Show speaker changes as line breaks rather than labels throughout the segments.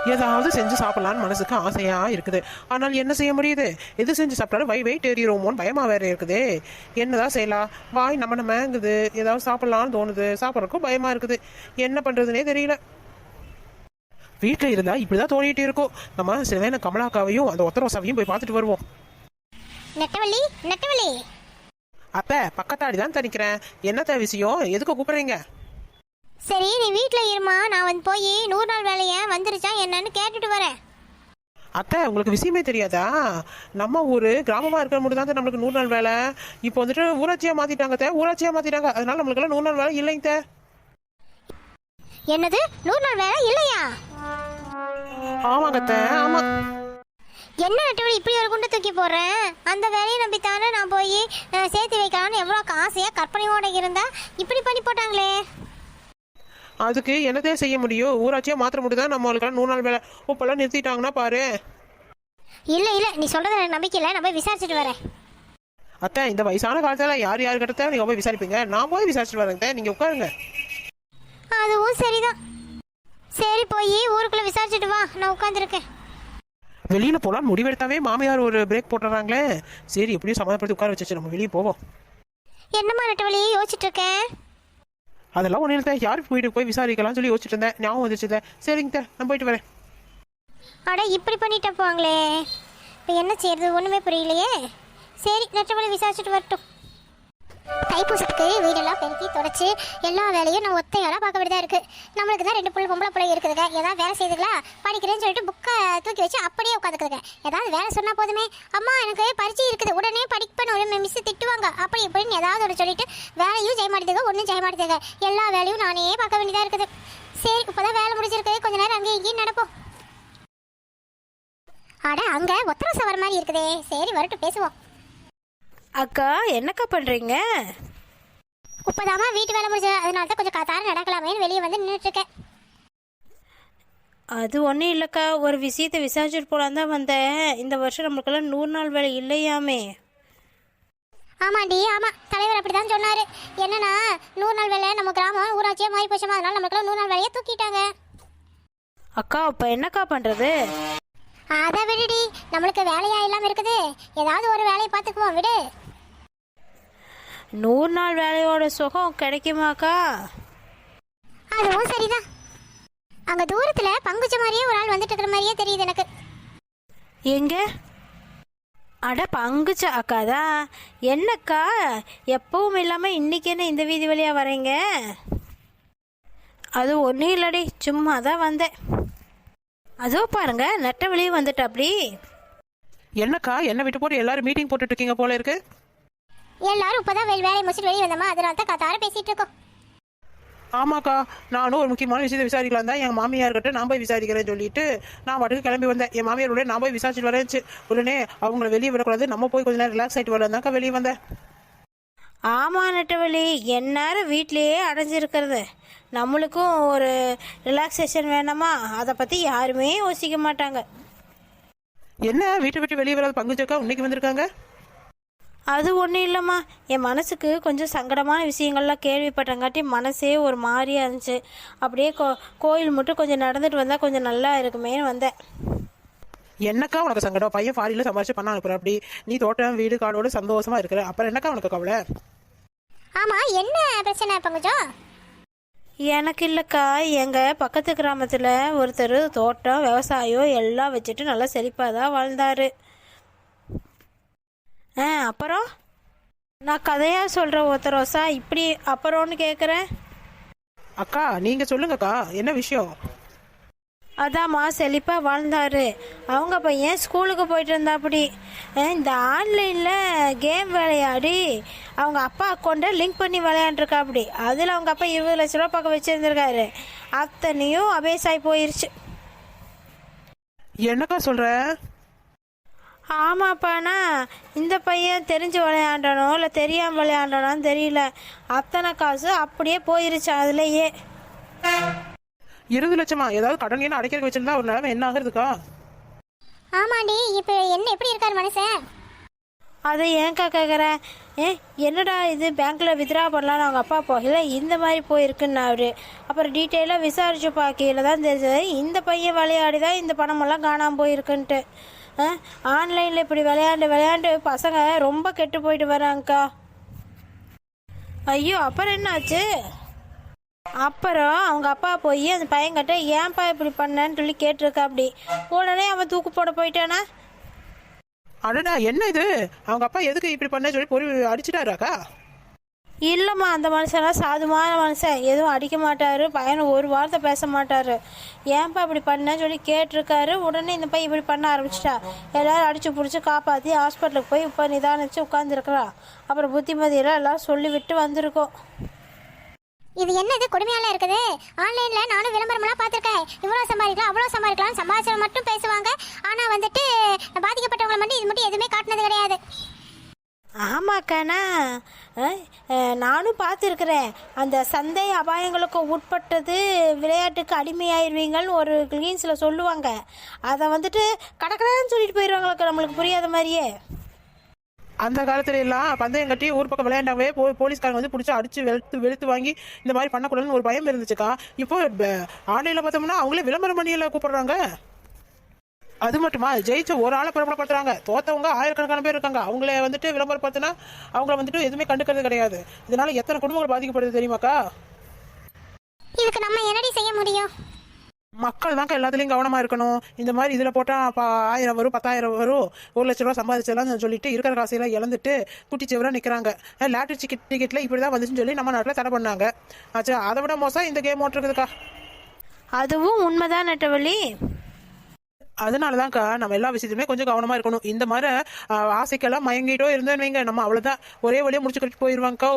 ஏதாவது செஞ்சு சாப்பிடலான்னு மனசுக்கு ஆசையா இருக்குது. ஆனால் என்ன செய்ய முடியுது? எது செஞ்சு சாப்பிட்டாலும் வெயிட் ஏறிடுவோமோன்னு பயமா வேற இருக்குது. என்னதான் செய்யலாம்? வாய் நம்மங்குது. ஏதாவது சாப்பிடலான்னு தோணுது, சாப்பிட்றதுக்கும் பயமா இருக்குது. என்ன பண்றதுனே தெரியல. வீட்டில் இருந்தா இப்படிதான் தோணிட்டு இருக்கும். நம்ம சில வேலை கமலாக்காவையும் அந்த ஒத்தரோசாவையும் போய் பார்த்துட்டு வருவோம்.
நெட்டவள்ளி, நெட்டவள்ளி.
அத்தை, பக்கத்தாடி தான் தனிக்கிறேன். என்னத்த விஷயம்? எதுக்கு கூப்பிடுறீங்க?
சரி, நீ வீட்டில் இருமா, நான் வந்து போய் 100 நாள் வேலையை வந்துருச்சா என்னன்னு கேட்டுட்டு வரேன்.
அத்தை, உங்களுக்கு விஷயமே தெரியாதா? நம்ம ஊர் கிராமமா இருக்கிற மட்டும் தான் நம்மளுக்கு 100 நாள் வேலை. இப்போ வந்துட்டு ஊராட்சியா மாத்திட்டாங்க. ஊராட்சியா மாத்திட்டாங்க. அதனால நம்மளுக்கு எல்லாம் 100 நாள் வேலை இல்லைங்க.
என்னது, 100 நாள் வேலை இல்லையா?
ஆமாங்க அத்தை, ஆமா.
என்ன நெட்டவள்ளி இப்படி ஒரு குண்டை தூக்கி போடுறேன்? அந்த வேலையை நம்பித்தானே நான் போய் சேர்த்து வைக்கலான்னு எவ்வளோ ஆசையா கற்பனையோட இருந்தா இப்படி பண்ணி போட்டாங்களே.
அதுக்கு என்னதே செய்ய முடியும்? ஊராட்சியா மாத்திர முடியுதான் நம்மளுக்கு 100 நாள் வேலை. இப்பெல்லாம் நிறுத்திட்டாங்கன்னா பாரு.
இல்ல இல்ல, நீ சொல்றது எனக்கு நம்பிக்கை இல்லை. நான் போய் விசாரிச்சுட்டு வரேன்.
அத்தை, இந்த வயசான காலத்துல யார் யாரு கிட்ட நீங்க போய் விசாரிப்பீங்க? நான் போய் விசாரிச்சுட்டு வரேன். நீங்க உட்காருங்க.
அதுவும் சரிதான். சரி, போய் ஊருக்குள்ள விசாரிச்சுட்டு வா, நான் உட்காந்துருக்கேன்.
வெளியில போலாம் முடிவெடுத்தாவே மாமியார் ஒரு பிரேக் போட்டுறாங்களே. சரி, எப்படியும் சமாதானப்படுத்தி உட்கார வச்சு நம்ம வெளியே போவோம்.
என்னம்மா நெட்டவள்ளி யோசிச்சுட்டு இருக்கேன்?
அதெல்லாம் ஒன்றும் இல்லை. யாருக்கு வீட்டுக்கு போய் விசாரிக்கலாம்னு சொல்லி யோசிச்சுட்டு இருந்தேன். ஞாபகம் வந்துச்சு. சரிங்க, நான் போயிட்டு வரேன்.
அட, இப்படி பண்ணிட்டு போவாங்களே. இப்போ என்ன செய்யறது ஒன்றுமே புரியலையே. சரி, நெட்டவள்ளி விசாரிச்சுட்டு வரட்டும். தைப்பூசத்துக்கு வீடெல்லாம் பெருக்கி தொடச்சி எல்லா வேலையும் நான் ஒத்தையாலாம் பார்க்க வேண்டியதாக இருக்குது. நம்மளுக்கு தான் 2 பொம்பளை பிள்ளை இருக்குதுங்க. ஏதாவது வேலை செய்துங்களா படிக்கிறேன்னு சொல்லிட்டு புக்கை தூக்கி வச்சு அப்படியே உட்காந்துக்குதுங்க. ஏதாவது வேலை சொன்னால் போதுமே, அம்மா எனக்கு பரிச்சை இருக்குது உடனே படிப்பேன்னு மிஸ் திட்டுவாங்க, அப்படி இப்படின்னு ஏதாவது ஒரு சொல்லிட்டு வேலையும் செய்ய மாட்டேதுங்க, ஒன்றும் செய்ய மாட்டேதுங்க. எல்லா வேலையும் நானே பார்க்க வேண்டியதாக இருக்குது. சரி, இப்போதான் வேலை முடிஞ்சிருக்கு, கொஞ்ச நேரம் அங்கேயும் இங்கேயும் நடப்போம். அட, அங்கே ஒத்தரசை வர மாதிரி இருக்குதே. சரி, வரட்டும், பேசுவோம்.
அக்கா, என்னக்கா பண்ணுறீங்க?
இப்போதாம்மா வீட்டு வேலை முடிஞ்சது, அதனால தான் கொஞ்சம் காத்தார நடக்கலாமேன்னு வெளியே வந்து நின்றுட்டுருக்கேன்.
அது ஒன்றும் இல்லைக்கா, ஒரு விஷயத்தை விசாரிச்சுட்டு போகலான் தான் வந்தேன். இந்த வருஷம் நம்மளுக்கெல்லாம் 100 நாள் வேலை இல்லையாமே.
ஆமாண்டி, ஆமாம், தலைவர் அப்படி தான் சொன்னார். என்னன்னா 100 நாள் வேலை நம்ம கிராமம் ஊராட்சியாக மாறி போச்சோமா, அதனால நம்மளுக்கெல்லாம் 100 நாள் வேலையை தூக்கிட்டாங்க.
அக்கா, இப்போ என்னக்கா பண்ணுறது?
அதை விடுடி, நம்மளுக்கு வேலையா இல்லாமல் இருக்குது. ஏதாவது ஒரு வேலையை பார்த்துக்குவோம், விடு.
100 நாள் வேலையோட சுகம் கிடைக்குமாக்கா?
அதுவும் சரிதான். அங்க தூரத்துல பங்குச்ச மாதிரியே ஒரு ஆள் வந்துட்டு இருக்கிற மாதிரியே தெரியுது எனக்கு.
எங்க? அட, பங்குச்ச அக்கா தான். என்னக்கா எப்பவும் இல்லாமல் இன்னைக்கு என்ன இந்த வீதி வழியாக வரீங்க? அது ஒன்றும் இல்லடி, சும்மா தான் வந்தேன். அதோ பாருங்க, நெட்டவள்ளி வந்துட்டு. அப்படி
என்னக்கா, என்ன விட்டு போட்டு எல்லாரும் மீட்டிங் போட்டுட்டு இருக்கீங்க போல இருக்கு.
எல்லாரும் இப்பதான் வேலையை முடிச்சுட்டு வெளியே வந்தோமா, அதனால தான் காத்தார பேசிட்டு இருக்கோம்.
ஆமாக்கா, நானும் ஒரு முக்கியமான விஷயத்தை விசாரிக்கலாம் தான் என் மாமியார்கிட்ட நான் போய் விசாரிக்கிறேன்னு சொல்லிட்டு நான் பாட்டுக்கு கிளம்பி வந்தேன். என் மாமியாரோட நான் போய் விசாரிச்சுட்டு வரேன்ச்சு. உடனே அவங்கள வெளியே விடக்கூடாது, நம்ம போய் கொஞ்ச நேரம் ரிலாக்ஸ் ஆகிட்டு வரலாம்தாக்கா வெளியே வந்தேன்.
ஆமாம் நெட்டவள்ளி, எந்நேரம் வீட்லேயே அடைஞ்சிருக்கிறது. நம்மளுக்கும் ஒரு ரிலாக்ஸேஷன் வேணாமா? அதை பற்றி யாருமே யோசிக்க மாட்டாங்க.
என்ன வீட்டை விட்டு வெளியே வராது பங்குச்சக்கா இன்னைக்கு வந்திருக்காங்க?
அது ஒன்றும் இல்லைம்மா, என் மனசுக்கு கொஞ்சம் சங்கடமான விஷயங்கள்லாம் கேள்விப்பட்டங்காட்டி மனசே ஒரு மாதிரியாக இருந்துச்சு. அப்படியே கோயில் மட்டும் கொஞ்சம் நடந்துட்டு வந்தால் கொஞ்சம் நல்லா இருக்குமேன்னு வந்தேன்.
என்னக்கா உனக்கு சங்கடம்? பையன் ஃபாரின்ல சம்பாரிச்சு பண்ண அனுப்புற, அப்படி நீ தோட்டம் வீடு காடோட சந்தோஷமா இருக்கிற, அப்புறம் என்னக்கா உனக்கு கவலை?
ஆமா, என்ன பிரச்சனை பங்குச்சம்?
எனக்கு இல்லைக்கா, எங்கள் பக்கத்து கிராமத்தில் ஒருத்தர் தோட்டம் விவசாயம் எல்லாம் வச்சுட்டு நல்லா செழிப்பாக தான் வாழ்ந்தார். அப்புறம் நான் கதையாக சொல்கிறேன் ஒருத்தரோசா, இப்படி அப்புறம்னு கேட்குறேன்.
அக்கா நீங்க சொல்லுங்கக்கா, என்ன விஷயம்?
அதாம்மா, செழிப்பாக வாழ்ந்தார். அவங்க பையன் ஸ்கூலுக்கு போயிட்டு இருந்தாப்படி இந்த ஆன்லைனில் கேம் விளையாடி அவங்க அப்பா அக்கௌண்ட்டை லிங்க் பண்ணி விளையாண்டுருக்கா. அப்படி அதில் அவங்க அப்பா 20 லட்ச ரூபா பக்கம் வச்சுருந்துருக்காரு. அத்தனையும் அபேஸாகி போயிடுச்சு.
என்னக்கா சொல்ற?
ஆமாப்பாண்ணா, இந்த பையன் தெரிஞ்சு விளையாண்டனோ இல்லை தெரியாமல் விளையாண்டனோன்னு தெரியல, அத்தனை காசு அப்படியே போயிருச்சு அதுலேயே.
20 லட்சமா? ஏதாவது கடன் என்ன அடைக்க வச்சிருந்தா ஒரு நிலைமை என்ன ஆகுறதுக்கா?
ஆமாண்டி, இப்போ என்ன எப்படி இருக்காரு மனுஷன்?
அதை ஏன்க்கா கேட்குறேன்? என்னடா இது, பேங்க்கில் வித்ரா பண்ணலான்னு அவங்க அப்பா போகல, இந்த மாதிரி போயிருக்குன்னாரு. அப்புறம் டீட்டெயிலாக விசாரிச்சு பார்க்கையில் தான் தெரிஞ்சது இந்த பையன் விளையாடி தான் இந்த பணமெல்லாம் காணாமல் போயிருக்குன்ட்டு. ஆன்லைனில் இப்படி விளையாண்டு பசங்க ரொம்ப கெட்டு போயிட்டு வராங்கக்கா. ஐயோ, அப்புறம் என்னாச்சு? அப்புறம் அவங்க அப்பா போய் அந்த பையன்கிட்ட ஏன்பா இப்படி பண்ணேன்னு சொல்லி கேட்டிருக்கா. அப்படி உடனே அவன் தூக்கு போட போயிட்டானா.
அடடா, என்ன இது? அவங்க அப்பா எதுக்கு இப்படி பண்ண சொல்லி பொறி அடிச்சிட்டாராக்கா?
இல்லைம்மா, அந்த மனுஷன்லாம் சாதுமான மனுஷன், எதுவும் அடிக்க மாட்டார், பையனை ஒரு வார்த்தை பேச மாட்டார். ஏன்பா இப்படி பண்ணேன்னு சொல்லி கேட்டிருக்காரு. உடனே இந்த பையன் இப்படி பண்ண ஆரம்பிச்சிட்டா. எல்லாரும் அடித்து பிடிச்சி காப்பாற்றி ஹாஸ்பிட்டலுக்கு போய் இப்போ நிதானிச்சு உட்காந்துருக்குறா. அப்புறம் புத்திமதியெல்லாம் எல்லாம் சொல்லி விட்டு வந்திருக்கோம்.
இது என்னது கொடுமையால இருக்குது? ஆன்லைன்ல நானும் விளம்பரமெல்லாம் பார்த்துருக்கேன். இவ்வளோ சம்பாதிக்கலாம் அவ்வளோ சம்பாதிக்கலாம் சம்பாதிச்சவங்க மட்டும் பேசுவாங்க. ஆனால் வந்துட்டு பாதிக்கப்பட்டவங்களை மட்டும் இது மட்டும் எதுவுமே காட்டினது கிடையாது.
ஆமாக்காண்ணா, நானும் பார்த்துருக்குறேன். அந்த சந்தை அபாயங்களுக்கு உட்பட்டது, விளையாட்டுக்கு அடிமையாயிருவீங்கன்னு ஒரு கிளீன்ஸில் சொல்லுவாங்க. அதை வந்துட்டு கடற்கடான்னு சொல்லிட்டு போயிடுவாங்களுக்கு, நம்மளுக்கு புரியாத மாதிரியே.
அந்த காலத்துல எல்லாம் பந்தயம் கட்டி ஊர் பக்கம் விளையாண்டாவே போலீஸ்காரங்க வந்து பிடிச்சி அடிச்சு வெளுத்து வாங்கி இந்த மாதிரி பண்ணக்கூடாதுன்னு ஒரு பயம் இருந்துச்சுக்கா. இப்போ ஆன்லைன்ல பார்த்தோம்னா அவங்களே விளம்பரம் பண்ணியெல்லாம் கூப்பிடுறாங்க. அது மட்டுமா, ஜெயிச்ச ஒரு ஆளை பிரபலப்படுத்துறாங்க, தோத்தவங்க ஆயிரக்கணக்கான பேர் இருக்காங்க. அவங்களே வந்துட்டு விளம்பரப்படுத்தினா அவங்கள வந்துட்டு எதுவுமே கண்டுக்கிறது கிடையாது. இதனால எத்தனை குடும்பங்கள் பாதிக்கப்படுது தெரியுமாக்கா?
இதுக்கு நம்ம என்னடி செய்ய முடியும்?
மக்கள் தாங்க எல்லாத்துலேயும் கவனமாக இருக்கணும். இந்த மாதிரி இதில் போட்டால் 1000 வரும், 10,000 வரும், 1,00,000 ரூபா சம்பாதிச்சலாம் சொல்லிட்டு இருக்கிற காசையெல்லாம் இழந்துட்டு குட்டிச்சவராக நிற்கிறாங்க. லாட்டரி டிக்கெட்டில் இப்படி தான் வந்துச்சுன்னு சொல்லி நம்ம நாட்டில் தடை பண்ணாங்க. ஆச்சா, அதை விட மோசம் இந்த கேம் ஓட்டுருக்குதுக்கா.
அதுவும் உண்மைதான் நெட்டவள்ளி.
அதனால தான்க்கா நம்ம எல்லா விஷயத்துலையுமே கொஞ்சம் கவனமாக இருக்கணும். இந்த மாதிரி ஆசைக்கெல்லாம் மயங்கிட்டோ இருந்தேன்னு வைங்க, நம்ம அவ்வளோதான் ஒரே வழியாக முடிச்சு கட்டிட்டு போயிடுவாங்கக்கா.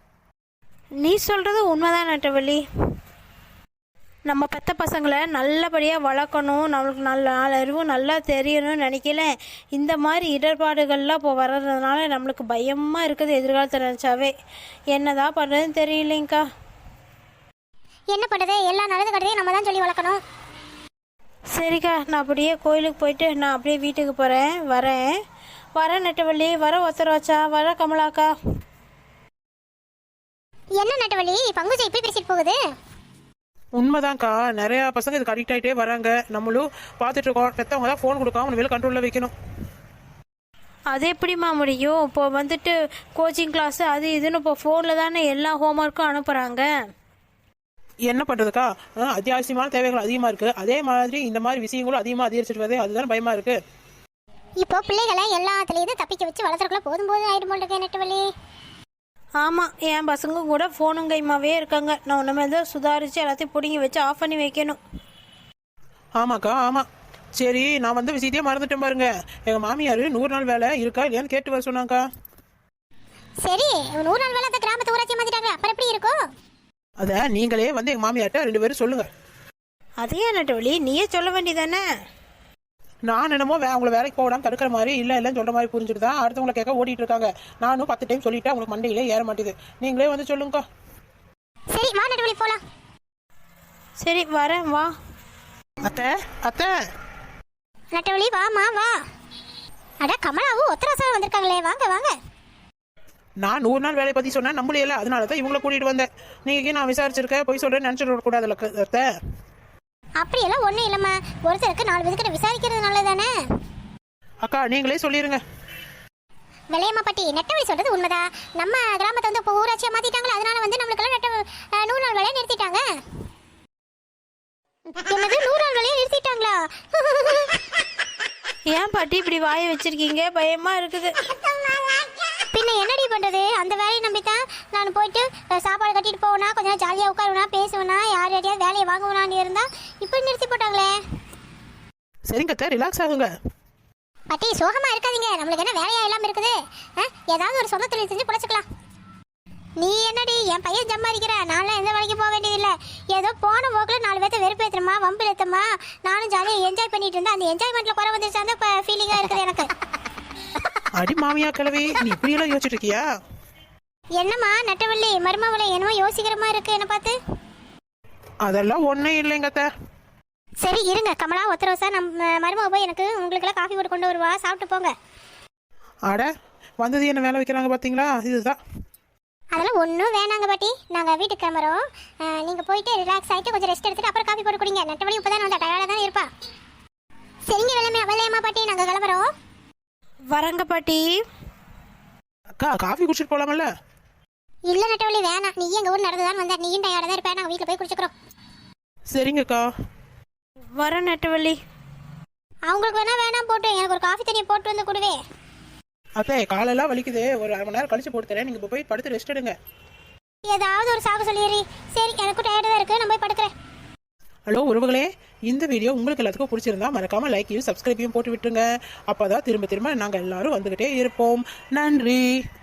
நீ சொல்கிறது உண்மைதான் நெட்டவள்ளி. நம்ம பெத்த பசங்களை நல்லபடியாக வளர்க்கணும், நம்மளுக்கு நல்ல அறிவும் நல்லா தெரியணும்னு நினைக்கல. இந்த மாதிரி இடர்பாடுகள்லாம் இப்போ வர்றதுனால நம்மளுக்கு பயமாக இருக்குது எதிர்காலத்தை நினச்சாவே. என்னதான் பண்ணுறதுன்னு தெரியலைங்கக்கா.
என்ன பண்ணுறது, எல்லாம் நல்லது கட்டதையும் நம்ம தான் சொல்லி வளர்க்கணும்.
சரிக்கா, நான் அப்படியே கோயிலுக்கு போயிட்டு நான் அப்படியே வீட்டுக்கு போகிறேன். வரேன் நெட்டவள்ளி, ஒத்தரவாச்சா, கமலாக்கா.
என்ன நட்டவள்ளி, பங்குஜை இப்படி பேசிட்டு போகுது?
உண்மைதான்க்கா, நிறையா பசங்க இதுக்கு அடிக்ட் ஆகிட்டே வராங்க. நம்மளும் பார்த்துட்டு இருக்கோம். பெற்றவங்க தான் ஃபோன் கொடுக்காம வெளியில் கண்ட்ரோலில் வைக்கணும்.
அது எப்படிம்மா முடியும்? இப்போ வந்துட்டு கோச்சிங் கிளாஸு அது இதுன்னு இப்போ ஃபோனில் தானே எல்லா ஹோம்ஒர்க்கும் அனுப்புகிறாங்க.
என்ன பண்ணுறதுக்கா? அத்தியாவசியமான தேவைகள் அதிகமாக இருக்குது. அதே மாதிரி இந்த மாதிரி விஷயங்களும் அதிகமாக அதிகரிச்சுட்டு வருது. அதுதான் பயமாக இருக்குது.
இப்போ பிள்ளைகளை எல்லாத்துலேயும் தப்பிக்க வச்சு வளர்த்துறக்குள்ள போதும் ஆயிடும் போல் இருக்கேன் நெட்டவள்ளி.
ஆமாம், என் பசங்க கூட ஃபோனும் கைமாவே இருக்காங்க. நான் ஒன்றுமே தான் சுதாரித்து எல்லாத்தையும் பிடிங்கி வச்சு ஆஃப் பண்ணி வைக்கணும்.
ஆமாக்கா, ஆமாம். சரி, நான் வந்து விஷயத்தையே மறந்துட்டேன் பாருங்க. எங்கள் மாமியார் 100 நாள் வேலை இருக்கா இல்லையான்னு கேட்டு வர சொன்னாங்கக்கா.
சரி, 100 நாள் வேலை கிராமத்து ஊராட்சி மாத்திட்டாங்க, அப்புறம் எப்படி இருக்கும்?
அதை நீங்களே வந்து எங்கள் மாமியார்ட்ட 2 பேரும் சொல்லுங்கள்.
அதையே நட்டவழி நீயே சொல்ல வேண்டியதானே?
நான் என்னமோ அவங்கள வேலைக்கு போடாமல் தடுக்கிற மாதிரி இல்லைன்னு சொல்கிற மாதிரி புரிஞ்சுட்டு தான் அடுத்தவங்களை கேட்க ஓடிட்டு இருக்காங்க. நானும் 10 டைம் சொல்லிட்டேன், உங்களுக்கு மண்டையிலே ஏற மாட்டேது. நீங்களே வந்து சொல்லுங்கக்கா.
சரி வா நடுவலி போலாம்.
சரி வரேன், வா.
அத்தை அத்தை
நட்டவலி வாமா வா. அட கமலாவும் ஒத்தரசாக வந்திருக்காங்களே, வாங்க வாங்க.
நான் 100 நாள் வேலையை பற்றி சொன்னேன், நம்பலையில, அதனால தான் இவங்களை கூட்டிகிட்டு வந்தேன். நீங்கள் நான் விசாரிச்சிருக்கேன், போய் சொல்கிறேன்னு நினச்சிட்டு வரக்கூடாதுல்ல அத்தை.
அப்படியெல்லாம் ஒன்றும் இல்லைம்மா, ஒருத்தருக்கு 4 விதக்கிட்ட விசாரிக்கிறது நல்லதானே.
அக்கா நீங்களே சொல்லிடுங்க.
விளையம்மா பாட்டி, நெட்டவழி சொல்றது உண்மைதான். நம்ம கிராமத்தை வந்து இப்போ ஊராட்சியாக மாற்றிட்டாங்களா, அதனால வந்து நம்மளுக்கெல்லாம் 100 நாள் வேலையை நிறுத்திட்டாங்க. என்னது 100 நாள் வேலையை நிறுத்திட்டாங்களா?
ஏன் பாட்டி இப்படி வாயை வச்சிருக்கீங்க? பயமா இருக்குது.
பின்ன என்னடி பண்றது, அந்த வேலையை நம்பித்தான் நான் போயிட்டு சாப்பாடு கட்டிட்டு போவேனா, கொஞ்ச நேரம் ஜாலியாக உட்காருவேனா, பேசுவேனா, யார் யாரையாவது வேலையை வாங்குவேனான்னு இருந்தா இப்படி நிறுத்தி போட்டாங்களே.
சரிங்க அத்தை, ரிலாக்ஸ் ஆகுங்க.
பாட்டி சோகமா இருக்காதீங்க, நம்மளுக்கு என்ன வேலையா இல்லாம இருக்குது. ஏதாவது ஒரு சொந்த தொழில் செஞ்சு பிழைச்சிக்கலாம். நீ என்னடி என் பையன் சம்பாதிக்கிற, நான்லாம் எந்த வேலைக்கு போக வேண்டியதில்லை. ஏதோ போன போக்கில் 4 பேர்த்த வெறுப்பேற்றுமா வம்பு ஏற்றமா, நானும் ஜாலியாக என்ஜாய் பண்ணிட்டு இருந்தேன். அந்த என்ஜாய்மெண்ட்ல குறை வந்துருச்சு, அந்த ஃபீலிங்காக இருக்குது எனக்கு.
அடி மாமியா கிழவி, நீ இப்படியெல்லாம் யோசிச்சுட்டு இருக்கியா?
என்னம்மா நட்டவள்ளி மருமவளை என்னமோ யோசிக்கிற மாதிரி இருக்கு என்ன பார்த்து.
அதெல்லாம் ஒன்றும் இல்லைங்க அத்தை.
சரி இருங்க, கமலா ஒத்தரவசா நம்ம மருமக போய் எனக்கு உங்களுக்கெல்லாம் காஃபி போட்டு கொண்டு வருவா, சாப்பிட்டு போங்க.
அட வந்தது என்ன வேலை வைக்கிறாங்க பார்த்தீங்களா? இதுதான்.
அதெல்லாம் ஒன்றும் வேணாங்க பாட்டி, நாங்கள் வீட்டுக்கு கிளம்புறோம். நீங்கள் போயிட்டு ரிலாக்ஸ் ஆகிட்டு கொஞ்சம் ரெஸ்ட் எடுத்துட்டு அப்புறம் காஃபி போட்டு குடிங்க. நட்டபடி இப்போ தான் வந்தா டயர்டாக தான் இருப்பா. சரிங்க வெள்ளையம்மா பாட்டி, நாங்கள் கிளம்புறோம்.
வரங்க பாட்டி.
அக்கா காஃபி குடிச்சிட்டு போகலாமல்ல?
இல்லை நட்டவழி வேணாம், நீ எங்கள் ஊர் நடந்து தான் வந்தா, நீயும் டயர்டாக தான் இருப்பேன். நாங்கள் வீட்டில் போய் குடிச்சுக்கிறோம்.
சரிங்கக்கா.
வர நெட்டவள்ளி.
அவங்களுக்கு வேணாம் போட்டு எனக்கு ஒரு காஃபி தண்ணியை போட்டு வந்து கொடுவே.
அத்தை காலெல்லாம் வலிக்குது, ஒரு அரை மணி நேரம் கழிச்சு போட்டு தரேன். நீங்கள் இப்போ போய் படுத்து ரெஸ்ட் எடுங்க.
ஏதாவது ஒரு சாக்கு சொல்லிடுறீ. சரி, எனக்கும் டயர்டாக தான் இருக்குது, நான் போய் படுக்கிறேன்.
ஹலோ உறவுகளே, இந்த வீடியோ உங்களுக்கு எல்லாத்துக்கும் பிடிச்சிருந்தா மறக்காம லைக்கையும் சப்ஸ்கிரைபையும் போட்டு விட்டுருங்க. அப்போதான் திரும்ப திரும்ப நாங்கள் எல்லாரும் வந்துகிட்டே இருப்போம். நன்றி.